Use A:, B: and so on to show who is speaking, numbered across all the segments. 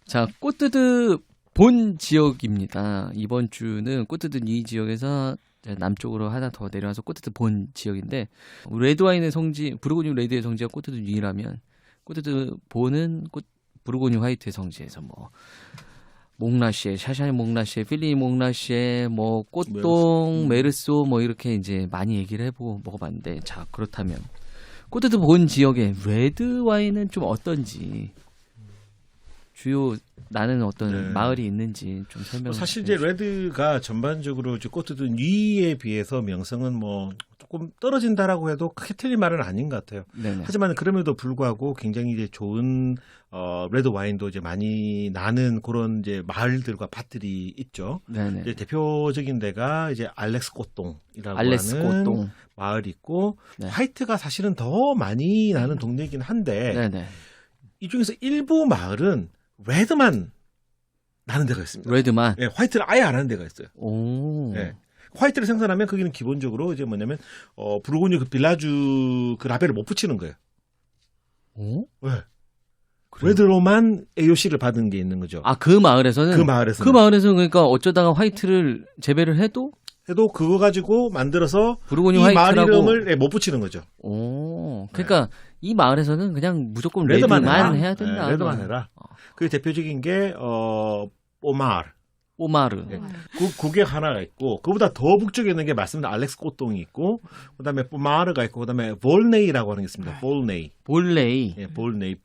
A: 자, 꼬뜨드 본 지역입니다. 이번 주는 꼬뜨드 이 지역에서 남쪽으로 하나 더 내려와서 꼬뜨드 본 지역인데 레드와인의 성지, 부르고뉴 레드의 성지가 꼬뜨드 위라면 꼬뜨드 본은 부르고뉴 화이트의 성지에서 뭐 몽라시에, 샤샤니 몽라시에, 필리 몽라시에, 뭐 꽃동, 메르소 뭐 이렇게 이제 많이 얘기를 해보고 먹어봤는데, 자 그렇다면 꼬뜨드 본 지역의 레드 와인은 좀 어떤지, 주요 나는 어떤
B: 네.
A: 마을이 있는지 좀 설명.
B: 사실 이제 레드가 전반적으로 이제 꼬뜨드 니에 비해서 명성은 뭐 조금 떨어진다라고 해도 크게 틀린 말은 아닌 것 같아요.
A: 네네.
B: 하지만 그럼에도 불구하고 굉장히 이제 좋은 레드 와인도 이제 많이 나는 그런 이제 마을들과 밭들이 있죠.
A: 네네.
B: 이제 대표적인 데가 이제 알렉스 꽃동이라고
A: 알렉스
B: 하는
A: 꽃동.
B: 마을이 있고,
A: 네.
B: 화이트가 사실은 더 많이 나는 동네이긴 한데
A: 네네.
B: 이 중에서 일부 마을은 레드만 나는 데가 있습니다.
A: 레드만.
B: 예, 화이트를 아예 안 하는 데가 있어요.
A: 오.
B: 예. 화이트를 생산하면 거기는 기본적으로 이제 뭐냐면 부르고뉴 그 빌라주 그 라벨을 못 붙이는 거예요.
A: 오?
B: 네.
A: 그래요?
B: 레드로만 AOC를 받은 게 있는 거죠.
A: 아, 그 마을에서는?
B: 그 마을에서
A: 그 마을에서는 그러니까 어쩌다가 화이트를 재배를 해도
B: 그거 가지고 만들어서
A: 부르고뉴
B: 이 마을
A: 화이트라고.
B: 이름을 못 붙이는 거죠.
A: 오. 그러니까 이 마을에서는 그냥 무조건
B: 레드만
A: 레드만
B: 해라.
A: 해야 된다.
B: 네, 레드만 해라. 그 대표적인 게 오마르.
A: 오마르.
B: 네. 그게 하나가 있고, 그보다 더 북쪽에 있는 게 말씀드린 알렉스 꽃동이 있고, 그다음에 포마르가 있고, 그다음에 볼네이라고 하는 게 있습니다. 볼네이.
A: 볼레이.
B: 예, 볼네이.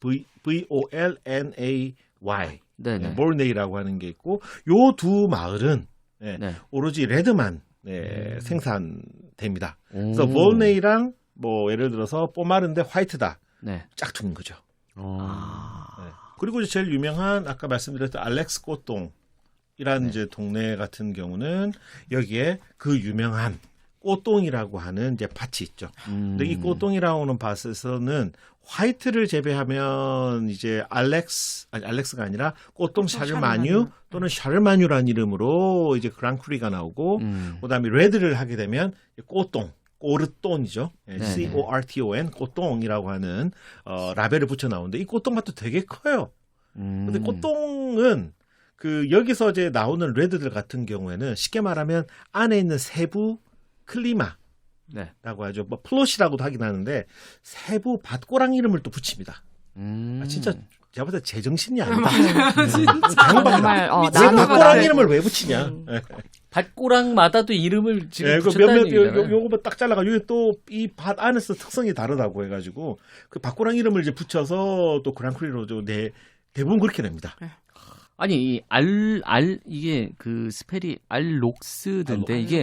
B: VOLNAY.
A: 네네.
B: 네, 볼네이라고 하는 게 있고, 요 두 마을은 예,
A: 네.
B: 오로지 레드만 생산됩니다. 그래서 볼네이랑 뭐 예를 들어서 포마르인데 화이트다.
A: 네.
B: 짝퉁인 거죠.
A: 아.
B: 네. 그리고 이제 제일 유명한 아까 말씀드렸던 알렉스 꽃동이라는 이제 동네 같은 경우는 여기에 그 유명한 꽃동이라고 하는 이제 밭이 있죠. 근데 이 꽃동이라고 하는 밭에서는 화이트를 재배하면 이제 알렉스가 아니라 꽃동 샤르마뉴 또는 샤르마뉴라는 이름으로 이제 그랑크리가 나오고, 그다음에 레드를 하게 되면 꽃동, 꼬르똥이죠. CORTON, 꽃동이라고 하는 라벨을 붙여 나오는데 이 꽃동 밭도 되게 커요. 근데 꽃동은 그 여기서 이제 나오는 레드들 같은 경우에는 쉽게 말하면 안에 있는 세부 클리마
A: 네.
B: 라고 하죠. 뭐 플롯이라고도 하긴 하는데 세부 밭고랑 이름을 또 붙입니다. 진짜 제가 볼 때 제정신이 아니다.
C: 정말
B: 왜 밭고랑 이름을 왜 붙이냐?
A: 밭고랑마다도 이름을 지금
B: 그
A: 붙였다는
B: 몇몇
A: 얘기잖아요.
B: 요거 딱 잘라가지고 또 이 밭 안에서 특성이 다르다고 해가지고 그 밭고랑 이름을 이제 붙여서 또 그랑크리로 대부분 그렇게 냅니다.
A: 아니 이 이게 그 스펠이 알록스던데 이게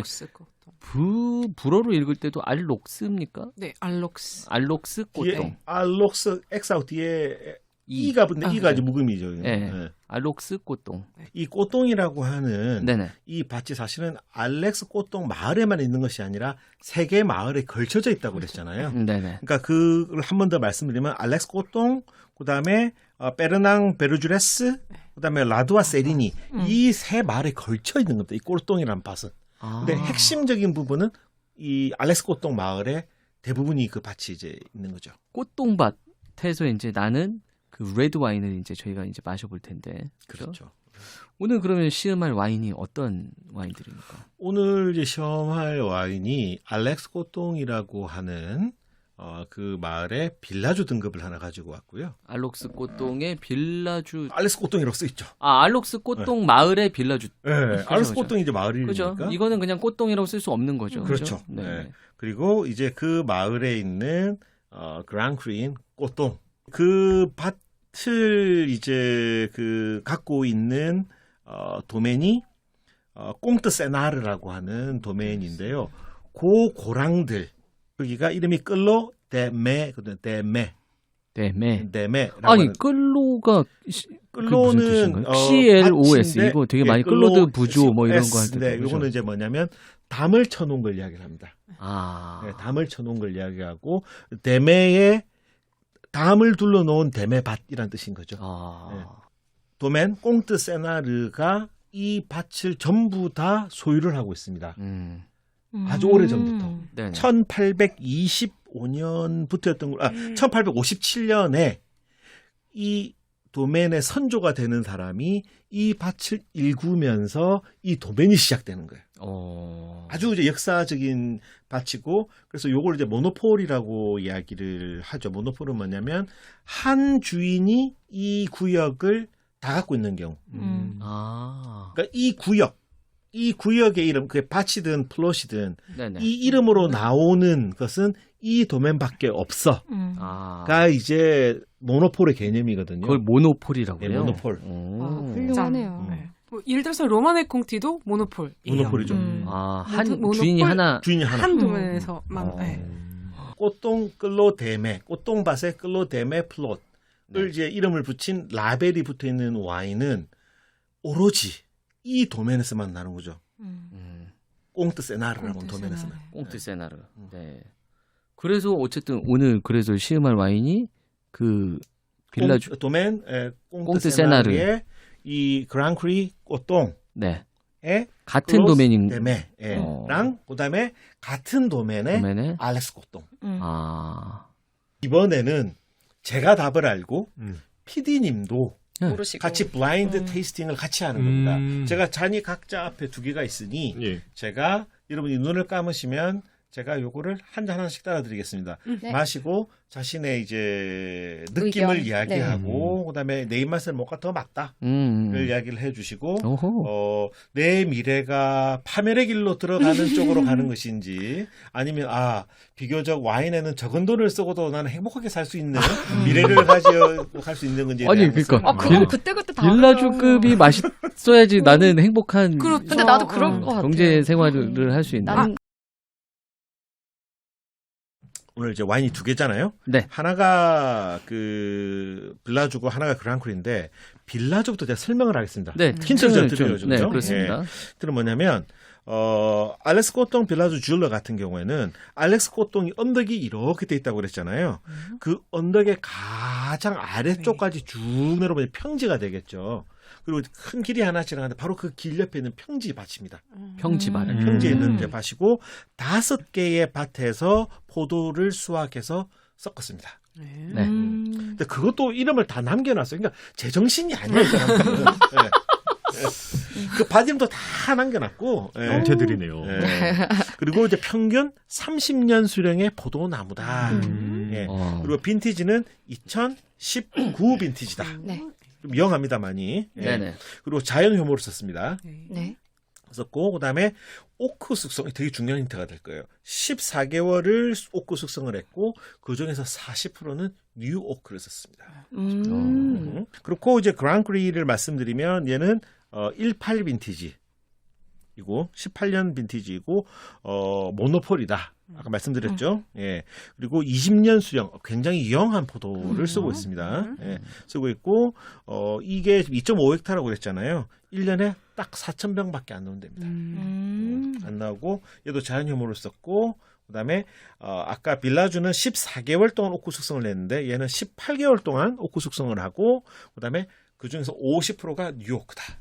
A: 불어로 읽을 때도 알록스입니까?
C: 네, 알록스.
A: 알록스 꽃동.
B: 뒤에 알록스 X하고 뒤에 E가 붙는데 E가 이제 묵음이죠.
A: 네.
B: 네.
A: 알록스 꽃동.
B: 이 꽃동이라고 하는
A: 네네.
B: 이 밭이 사실은 알렉스 꽃동 마을에만 있는 것이 아니라 세 개 마을에 걸쳐져 있다고 그랬잖아요.
A: 네네.
B: 그러니까 그걸 한 번 더 말씀드리면 알렉스 꽃동, 그다음에 베르낭 베르주레스, 그다음에 라두아 세리니 이 세 마을에 걸쳐 있는 겁니다. 이 꽃동이라는 밭은. 근데 핵심적인 부분은 이 알렉스 꽃동 마을에 대부분이 그 밭이 이제 있는 거죠.
A: 꽃동밭에서 이제 나는 그 레드 와인을 이제 저희가 이제 마셔볼 텐데.
B: 그렇죠.
A: 오늘 그러면 시음할 와인이 어떤 와인들입니까?
B: 오늘 이제 시험할 와인이 알렉스 꽃동이라고 하는 그 마을의 빌라주 등급을 하나 가지고 왔고요.
A: 알록스 꽃동의 빌라주.
B: 알렉스 꽃동이라고 써 있죠.
A: 알록스 꽃동 마을의 빌라주.
B: 네, 알렉스 꽃동이 이제 마을
A: 그죠?
B: 이름이니까.
A: 이거는 그냥 꽃동이라고 쓸 수 없는 거죠.
B: 그렇죠.
A: 네.
B: 네. 그리고 이제 그 마을에 있는 그랑크린 꽃동, 그 밭을 이제 그 갖고 있는 도메인이 꽁트 세나르라고 하는 도메인인데요. 그 고랑들 여기가 이름이 끌로 데메거든요. 데메.
A: 아니 끌로가
B: 끌로는
A: CLOS 이거 되게 많이
B: 끌로
A: 끌로드 부조 뭐 이런 거 할 때.
B: 네, 이거는 이제 뭐냐면 담을 쳐놓은 걸 이야기를 합니다.
A: 네,
B: 담을 쳐놓은 걸 이야기하고 데메에 담을 둘러놓은 데메밭이란 뜻인 거죠. 네. 도멘 꽁트 세나르가 이 밭을 전부 다 소유를 하고 있습니다. 아주 오래 전부터. 1825년부터였던 걸, 1857년에 이 도멘의 선조가 되는 사람이 이 밭을 일구면서 이 도멘이 시작되는 거예요. 아주 이제 역사적인 밭이고 그래서 요걸 이제 모노폴이라고 이야기를 하죠. 모노폴은 뭐냐면 한 주인이 이 구역을 다 갖고 있는 경우. 그러니까 이 구역의 이름, 그게 밭이든 플롯이든
A: 네네.
B: 이 이름으로 나오는 것은 이 도면밖에 없어. 가 이제 모노폴의 개념이거든요.
A: 그걸 모노폴이라고
B: 네,
A: 해요.
B: 모노폴.
D: 훌륭하네요.
C: 네. 뭐 예를 들어서 로마네 콩티도 모노폴.
B: 모노폴이죠.
A: 한
C: 모노폴?
A: 주인이 하나.
B: 주인이 하나.
C: 한 도면에서만. 네.
B: 꽃동 끌로데메, 꽃동밭의 끌로데메 플롯을 이제 이름을 붙인 라벨이 붙어 있는 와인은 오로지 이 도면에서만 나는 거죠. 꽁트 세나르라고 하는 도면에서만.
A: 꽁트 세나르. 네. 그래서 어쨌든 오늘 그래서 시음할 와인이 그 빌라주
B: 도멘
A: 꽁트
B: 꽁트
A: 세나르.
B: 세나르의 이 그랑크리 꽃동의
A: 네. 같은 도메인
B: 데메 랑 그다음에 같은 도멘의
A: 도메네.
B: 알렉스 꽃동. 이번에는 제가 답을 알고 PD님도
D: 모르시고.
B: 같이 블라인드 테이스팅을 같이 하는 겁니다. 제가 잔이 각자 앞에 두 개가 있으니
E: 예.
B: 제가 여러분이 눈을 감으시면 제가 요거를 한 잔 하나씩 따라드리겠습니다.
D: 네.
B: 마시고 자신의 이제 느낌을
D: 의견.
B: 이야기하고 그다음에 내 입맛에 뭐가 더 맞다를 이야기를 해주시고
A: 오호.
B: 내 미래가 파멸의 길로 들어가는 쪽으로 가는 것인지 아니면 비교적 와인에는 적은 돈을 쓰고도 나는 행복하게 살 수 있는 미래를 가져갈 수 있는 건지
A: 아니, 그러니까.
D: 그거 그때그때 다.
A: 빌라주급이 맛있어야지 나는 행복한
C: 그렇죠.
D: 근데 나도 그런 것 같아요.
A: 경제 생활을 할 수 있는.
D: 난
B: 오늘 이제 와인이 두 개잖아요.
A: 네.
B: 하나가 그 빌라주고 하나가 그랑크리인데 빌라주부터 제가 설명을 하겠습니다.
A: 네,
B: 힌트를 좀 드려요.
A: 네, 그렇습니다.
B: 힌트는 뭐냐면 알렉스 꽃동 빌라주 줄러 같은 경우에는 알렉스 꽃동이 언덕이 이렇게 돼 있다고 그랬잖아요. 그 언덕의 가장 아래쪽까지 쭉 내려오면 평지가 되겠죠. 그리고 큰 길이 하나 지나가는데 바로 그 길 옆에 있는 평지 밭입니다.
A: 평지밭.
B: 평지에 있는 이제 밭이고 5개의 밭에서 포도를 수확해서 섞었습니다.
C: 네.
A: 네.
B: 근데 그것도 이름을 다 남겨놨어요. 그러니까 제정신이 아니에요, 이 사람들은. 네. 그 밭 이름도 다 남겨놨고.
E: 명태들이네요.
B: 그리고 이제 평균 30년 수령의 포도나무다. 예. 그리고 빈티지는 2019 빈티지다.
D: 네.
B: 좀 영합니다, 많이. 예.
A: 네네.
B: 그리고 자연 효모를 썼습니다.
D: 네.
B: 썼고 그다음에 오크 숙성이 되게 중요한 힌트가 될 거예요. 14개월을 오크 숙성을 했고 그 중에서 40%는 뉴 오크를 썼습니다. 그렇고 이제 그랑크리를 말씀드리면 얘는 18 빈티지이고 18년 빈티지이고 모노폴이다. 아까 말씀드렸죠. 예. 그리고 20년 수령 굉장히 영한 포도를 쓰고 있습니다. 예. 쓰고 있고 이게 2.5헥타라고 그랬잖아요. 1년에 딱 4,000병밖에 안 나온답니다. 안 나오고 얘도 자연 효모를 썼고 그다음에 아까 빌라주는 14개월 동안 오크 숙성을 했는데 얘는 18개월 동안 오크 숙성을 하고 그다음에 그 중에서 50%가 뉴오크다.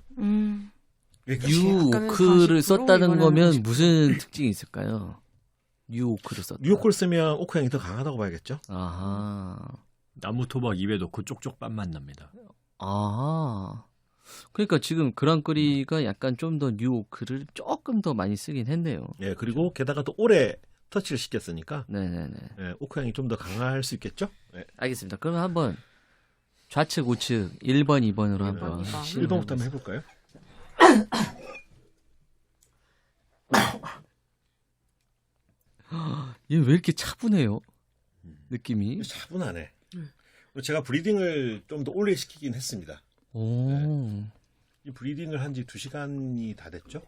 A: 뉴오크를
C: 40%?
A: 썼다는
C: 이거는
A: 거면
C: 50%.
A: 무슨 특징이 있을까요? 뉴오크를 썼다.
B: 뉴오크를 쓰면 오크 향이 더 강하다고 봐야겠죠.
A: 아하.
E: 나무 토막 입에 넣고 쪽쪽 빤맛 납니다.
A: 아하. 그러니까 지금 그랑크리가 약간 좀 더 뉴오크를 조금 더 많이 쓰긴 했네요.
B: 예, 그리고 게다가 또 오래 터치를 시켰으니까
A: 네네네.
B: 예, 오크 향이 좀 더 강할 수 있겠죠. 예.
A: 알겠습니다. 그럼 한번 좌측, 우측 1번, 2번으로 한번
B: 1번부터 한번 해볼까요?
A: 얘 왜 이렇게 차분해요? 느낌이.
B: 차분하네. 제가 브리딩을 좀 더 오래 시키긴 했습니다.
A: 오.
B: 이 브리딩을 한 지 2시간이 다 됐죠?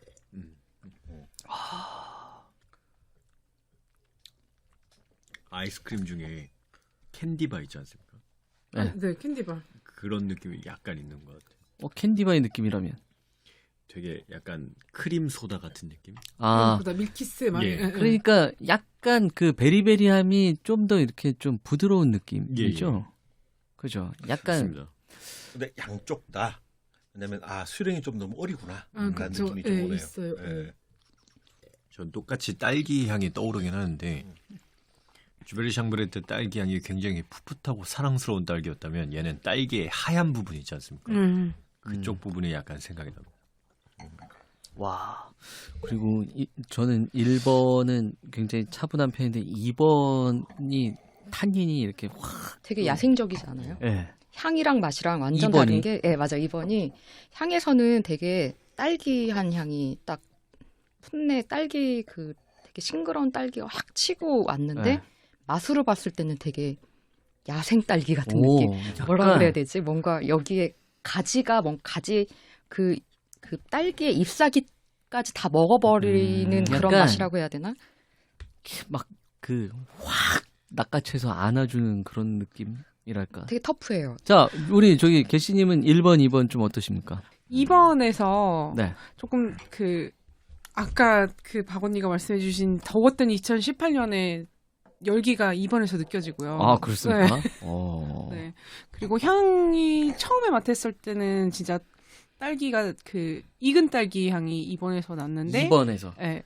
E: 아이스크림 중에 캔디바 있지 않습니까?
C: 네, 캔디바.
E: 그런 느낌이 약간 있는 것 같아요.
A: 캔디바의 느낌이라면.
E: 되게 약간 크림 소다 같은 느낌?
A: 아,
C: 그다 밀키스 막.
E: 예.
A: 그러니까 약간 그 베리베리함이 좀 더 이렇게 좀 부드러운 느낌이죠. 그죠? 약간
E: 맞습니다.
B: 근데 양쪽 다. 왜냐면 수령이 좀 너무 어리구나. 라는
C: 그쵸.
B: 느낌이 좀
C: 예,
B: 오네요.
C: 있어요.
B: 예.
E: 전 똑같이 딸기 향이 떠오르긴 하는데 주베리 샹브레트 딸기 향이 굉장히 풋풋하고 사랑스러운 딸기였다면 얘는 딸기의 하얀 부분 있지 않습니까? 그쪽 부분이 약간 생각이 납니다.
A: 와. 그리고 저는 1번은 굉장히 차분한 편인데 2번이 탄닌이 이렇게 확.
D: 되게 야생적이지 않아요?
A: 예.
D: 향이랑 맛이랑 완전
A: 2번이?
D: 다른 게, 예, 맞아. 2번이 향에서는 되게 딸기한 향이 딱 풋내 딸기 되게 싱그러운 딸기가 확 치고 왔는데
A: 네.
D: 맛으로 봤을 때는 되게 야생 딸기 같은
A: 오,
D: 느낌. 뭐라
A: 약간
D: 그래야 되지? 뭔가 여기에 가지가 가지 그 딸기의 잎사귀까지 다 먹어버리는 그런
A: 약간
D: 맛이라고 해야 되나?
A: 막 확 낚아채서 안아주는 그런 느낌이랄까.
D: 되게 터프해요.
A: 자, 우리 저기 개씨님은 1번, 2번 좀 어떠십니까?
C: 2번에서
A: 네.
C: 조금 아까 박 언니가 말씀해주신 더웠던 2018년에 열기가 2번에서 느껴지고요.
A: 아, 그렇습니까?
C: 네.
A: 어.
C: 네. 그리고 향이 처음에 맡았을 때는 진짜 딸기가 익은 딸기 향이 2번에서 났는데
A: 2번에서.
C: 네.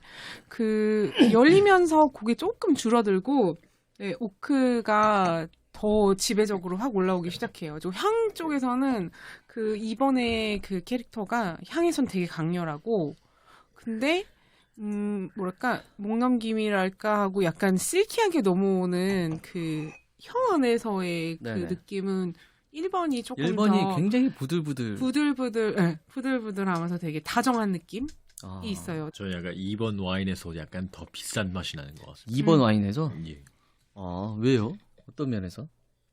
C: 열리면서 그게 조금 줄어들고 네, 오크가 더 지배적으로 확 올라오기 시작해요. 향 쪽에서는 2번의 캐릭터가 향에선 되게 강렬하고 근데 뭐랄까 목넘김이랄까 하고 약간 실키하게 넘어오는 혀 안에서의
A: 네네.
C: 느낌은 1번이 조금
A: 1번이
C: 더
A: 굉장히 부들부들.
C: 부들부들하면서 되게 다정한 느낌이
A: 아.
C: 있어요.
E: 저는 약간 2번 와인에서 약간 더 비싼 맛이 나는 것 같습니다.
A: 2번 와인에서?
E: 예.
A: 아, 왜요? 어떤 면에서?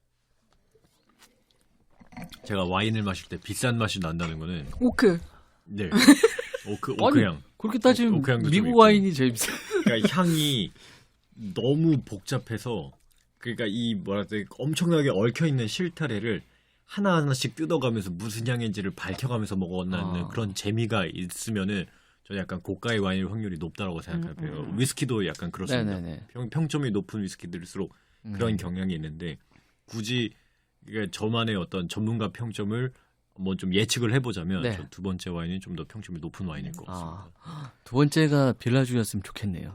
E: 제가 와인을 마실 때 비싼 맛이 난다는 거는
C: 오크.
E: 네.
A: 아니,
E: 오크향.
A: 그렇게 따지면
E: 오크향도 좀
A: 미국
E: 있고.
A: 와인이 제일 비싸.
E: 그러니까 향이 너무 복잡해서 그러니까 이 엄청나게 얽혀 있는 실타래를 하나하나씩 뜯어가면서 무슨 향인지를 밝혀가면서 먹어나는 그런 재미가 있으면은 저는 약간 고가의 와인일 확률이 높다고 생각해요. 위스키도 약간 그렇습니다.
A: 네네네.
E: 평점이 높은 위스키들일수록 그런 경향이 있는데 굳이 저만의 어떤 전문가 평점을 뭐 좀 예측을 해보자면
A: 네.
E: 저 두 번째 와인이 좀 더 평점이 높은 와인일 것 같습니다.
A: 두 번째가 빌라주였으면 좋겠네요.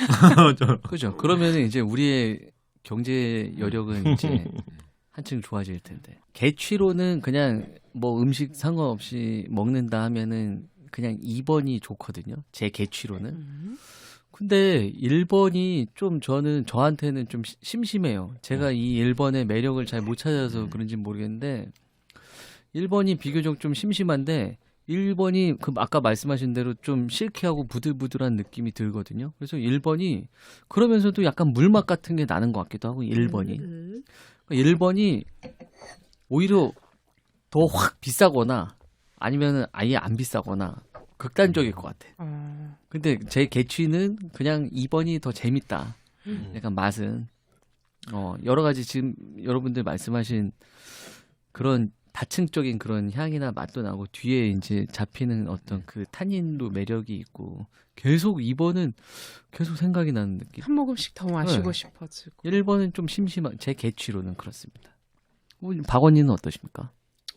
A: 그죠? 그러면 이제 우리의 경제 여력은 이제 한층 좋아질 텐데. 개취로는 그냥 뭐 음식 상관없이 먹는다 하면은 그냥 2번이 좋거든요. 제 개취로는. 근데 1번이 좀 저한테는 좀 심심해요. 제가 이 1번의 매력을 잘 못 찾아서 그런지 모르겠는데 1번이 비교적 좀 심심한데 1번이 아까 말씀하신 대로 좀 실키하고 부들부들한 느낌이 들거든요. 그래서 1번이 그러면서도 약간 물맛 같은 게 나는 것 같기도 하고 1번이. 1번이 오히려 더 확 비싸거나 아니면 아예 안 비싸거나 극단적일 것 같아. 근데 제 개취는 그냥 2번이 더 재밌다. 약간 맛은. 여러 가지 지금 여러분들 말씀하신 그런 다층적인 그런 향이나 맛도 나고 뒤에 이제 잡히는 어떤 탄닌도 매력이 있고 계속 2번은 계속 생각이 나는 느낌.
C: 한 모금씩 더 마시고
A: 네.
C: 싶어지고.
A: 1번은 좀 심심한 제 개취로는 그렇습니다. 박 언니는 어떠십니까?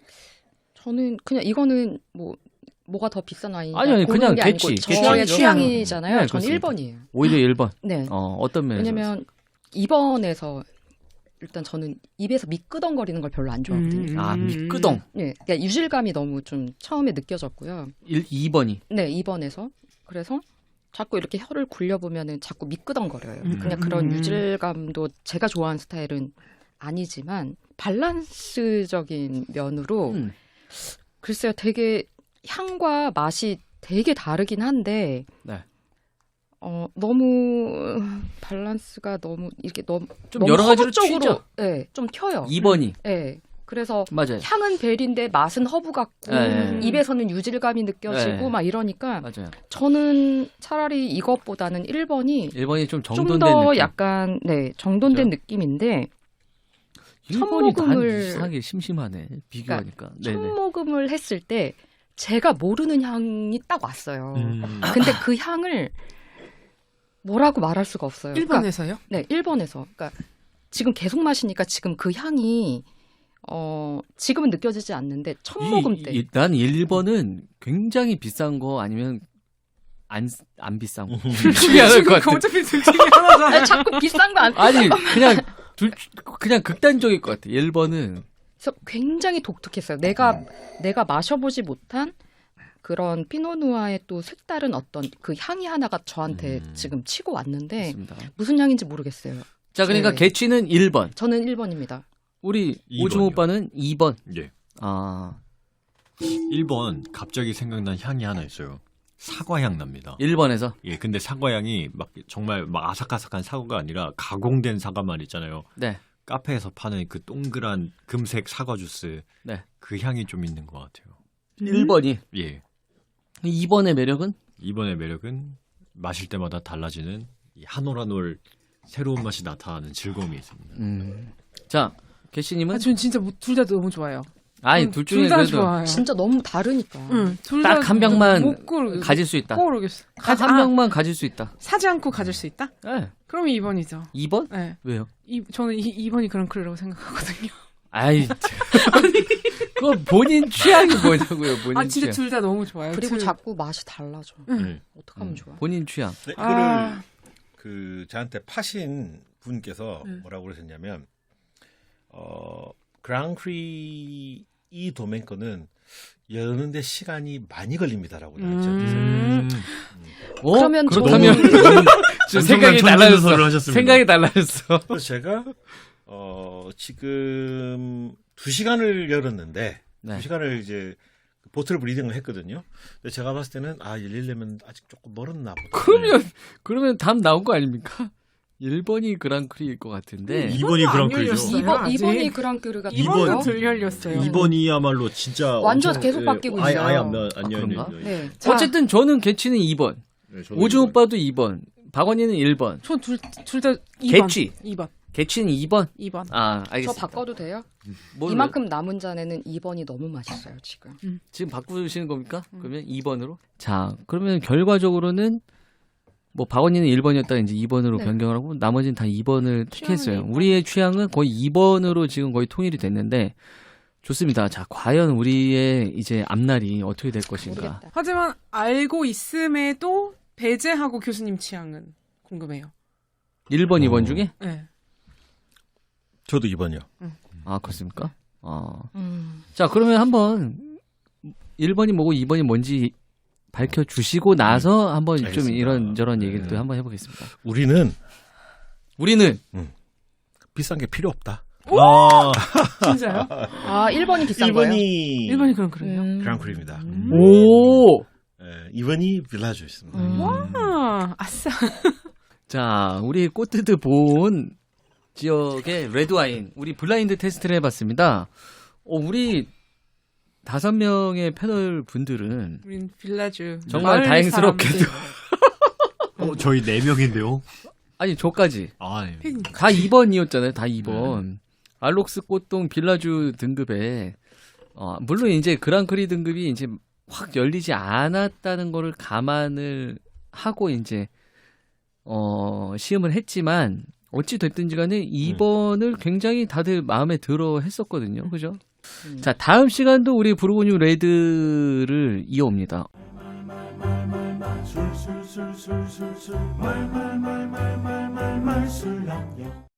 D: 저는 그냥 이거는 뭐가 더 비싼 와인이
A: 아니, 그냥 개취.
D: 저의
A: 개취.
D: 취향이잖아요.
A: 네,
D: 저는
A: 그렇습니다.
D: 1번이에요.
A: 오히려 1번.
D: 네.
A: 어떤 면에서?
D: 왜냐면 2번에서 일단 저는 입에서 미끄덩거리는 걸 별로 안 좋아하거든요.
A: 미끄덩.
D: 네, 그러니까 유질감이 너무 좀 처음에 느껴졌고요.
A: 2번이.
D: 네, 2번에서. 그래서 자꾸 이렇게 혀를 굴려보면은 자꾸 미끄덩거려요. 그냥 그런 유질감도 제가 좋아하는 스타일은 아니지만 밸런스적인 면으로 글쎄요, 되게 향과 맛이 되게 다르긴 한데
A: 네.
D: 너무 밸런스가 너무
A: 좀
D: 너무
A: 여러 가지로
D: 허브적으로,
A: 튀죠.
D: 네, 좀 튀어요.
A: 2번이.
D: 네, 그래서
A: 맞아요.
D: 향은 벨인데 맛은 허브 같고
A: 네.
D: 입에서는 유질감이 느껴지고
A: 네.
D: 막 이러니까
A: 맞아요.
D: 저는 차라리 이것보다는 1번이
A: 1번이 좀
D: 좀
A: 정돈된
D: 더
A: 느낌.
D: 약간 정돈된
A: 그렇죠?
D: 느낌인데
A: 1번이 난
D: 첫모금을-
A: 이상하게 심심하네. 비교하니까. 네네.
D: 첫 모금을 했을 때 제가 모르는 향이 딱 왔어요. 근데 그 향을 뭐라고 말할 수가 없어요. 그러니까
C: 1번에서요?
D: 네, 1번에서. 그러니까 지금 계속 마시니까 지금 그 향이 지금은 느껴지지 않는데 첫 모금 때.
A: 난 1번은 굉장히 비싼 거 아니면 안 비싼 거. 둘 중에 하나일 것 같아.
C: 어차피 둘 중에 하나잖아.
D: 아니, 자꾸 비싼 거 안.
A: 아니 그냥 극단적일 것 같아. 1번은
D: 그래서 굉장히 독특했어요. 내가 마셔보지 못한 그런 피노누아의 또 색다른 어떤 그 향이 하나가 저한테 지금 치고 왔는데
A: 있습니다.
D: 무슨 향인지 모르겠어요.
A: 자, 그러니까
D: 네.
A: 개취는 1번.
D: 저는 1번입니다.
A: 우리
E: 2번이요.
A: 오중 오빠는 2번.
E: 예.
A: 아,
E: 1번 갑자기 생각난 향이 하나 있어요. 사과향 납니다.
A: 1번에서.
E: 예, 근데 사과향이 막 정말 막 아삭아삭한 사과가 아니라 가공된 사과만 있잖아요.
A: 네.
E: 카페에서 파는 그 동그란 금색 사과 주스.
A: 네.
E: 그 향이 좀 있는 것 같아요.
A: 1번이.
E: 예.
A: 2번의 매력은?
E: 2번의 매력은 마실 때마다 달라지는 이 한 올 한 올 새로운 맛이 나타나는 즐거움이 있습니다.
A: 자, 개씨님은?
C: 전 진짜 둘 다 너무 좋아요.
A: 아니, 둘 중에
C: 둘다
A: 그래도
C: 좋아요.
D: 진짜 너무 다르니까.
C: 응,
A: 딱 한 병만
C: 못 고르.
A: 가질 수 있다.
C: 모르겠어.
A: 한 병만 가질 수 있다.
C: 사지 않고 가질 수 있다?
A: 네.
C: 그러면 2번이죠.
A: 2번?
C: 네.
A: 왜요?
C: 저는 2번이 그랑크리라고 생각하거든요.
A: 아이, 그거 본인 취향이 뭐냐고요, 본인
C: 아 진짜
A: 취향.
C: 둘 다 너무 좋아요.
D: 그리고
C: 둘.
D: 자꾸 맛이 달라져.
E: 네.
D: 어떡하면 좋아.
A: 본인 취향.
B: 네, 이거를
C: 아.
B: 그 저한테 파신 분께서 뭐라고 그러셨냐면 그랑크리 이 도멘 거는 여는데 시간이 많이 걸립니다라고 하셨죠.
D: 그러면
A: 그렇다면 지금 생각이 달라졌어.
E: 하셨습니다.
A: 생각이 달라졌어.
B: 그래서 제가 지금 2시간을 열었는데
A: 네.
B: 2시간을 이제 보틀 브리딩을 했거든요. 근데 제가 봤을 때는 열리려면 아직 조금 멀었나 보다.
A: 그러면 답 나온 거 아닙니까? 1번이 그랑크리일 것 같은데.
E: 2번이
C: 안
E: 그랑크리죠.
C: 열렸어요.
D: 2번이 그랑크리가
C: 2번도 덜 열렸어요.
E: 2번이야말로 진짜
D: 완전
E: 엄청,
D: 계속
E: 예,
D: 바뀌고
E: 아예
D: 있어요.
E: 아예 안
A: 그런가?
E: 열려요.
D: 네.
A: 어쨌든 저는 개취는 2번.
E: 네, 저도
A: 오중
E: 2번.
A: 오빠도 2번. 박원희는 1번.
C: 전둘 다 2번.
A: 개취.
C: 2번.
A: 개취는 2번.
C: 2번.
A: 아,
D: 저
A: 알겠습니다.
D: 바꿔도 돼요?
A: 뭘
D: 이만큼 남은 잔에는 2번이 너무 맛있어요, 지금.
A: 지금 바꾸시는 겁니까? 그러면 2번으로? 자, 그러면 결과적으로는 뭐 박원희는 1번이었다가 이제 2번으로
D: 네.
A: 변경을 하고 나머지는 다 2번을 택했어요.
C: 취향은
A: 우리의 취향은 거의 2번으로 지금 거의 통일이 됐는데 좋습니다. 자, 과연 우리의 이제 앞날이 어떻게 될 것인가?
D: 모르겠다.
C: 하지만 알고 있음에도 배제하고 교수님 취향은 궁금해요.
A: 1번, 2번 중에?
C: 네.
B: 저도 2번이요.
A: 아, 그렇습니까?
D: 음.
A: 자, 그러면 한번 1번이 뭐고 2번이 뭔지 밝혀주시고 나서 한번 좀
B: 알겠습니다.
A: 이런저런 얘기를 또 한번 해보겠습니다.
B: 우리는 비싼 게 필요 없다.
E: 아,
C: 진짜요?
D: 아, 1번이 비싼 거예요?
C: 1번이 그랑크리요?
B: 그랑크리입니다.
A: 오!
B: 2번이 빌라주였습니다.
C: 와, 아싸.
A: 자, 우리 꽃뜨드 본 지역의 레드와인, 우리 블라인드 테스트를 해봤습니다. 우리 5명의 패널 분들은
C: 우린 빌라주.
A: 정말
C: 마을
A: 다행스럽게도
C: 사람들.
E: 저희 4명인데요.
A: 아니 저까지
E: 아, 예.
A: 다 2번이었잖아요. 다 2번. 알록스 꽃동 빌라주 등급에 물론 이제 그랑크리 등급이 이제 확 열리지 않았다는 거를 감안을 하고 이제 시음을 했지만 어찌 됐든지 간에 2번을 굉장히 다들 마음에 들어 했었거든요. 그죠? 자, 다음 시간도 우리 부르고뉴 레드를 이어옵니다.
F: 술술술술술술 말말말말말말술렁여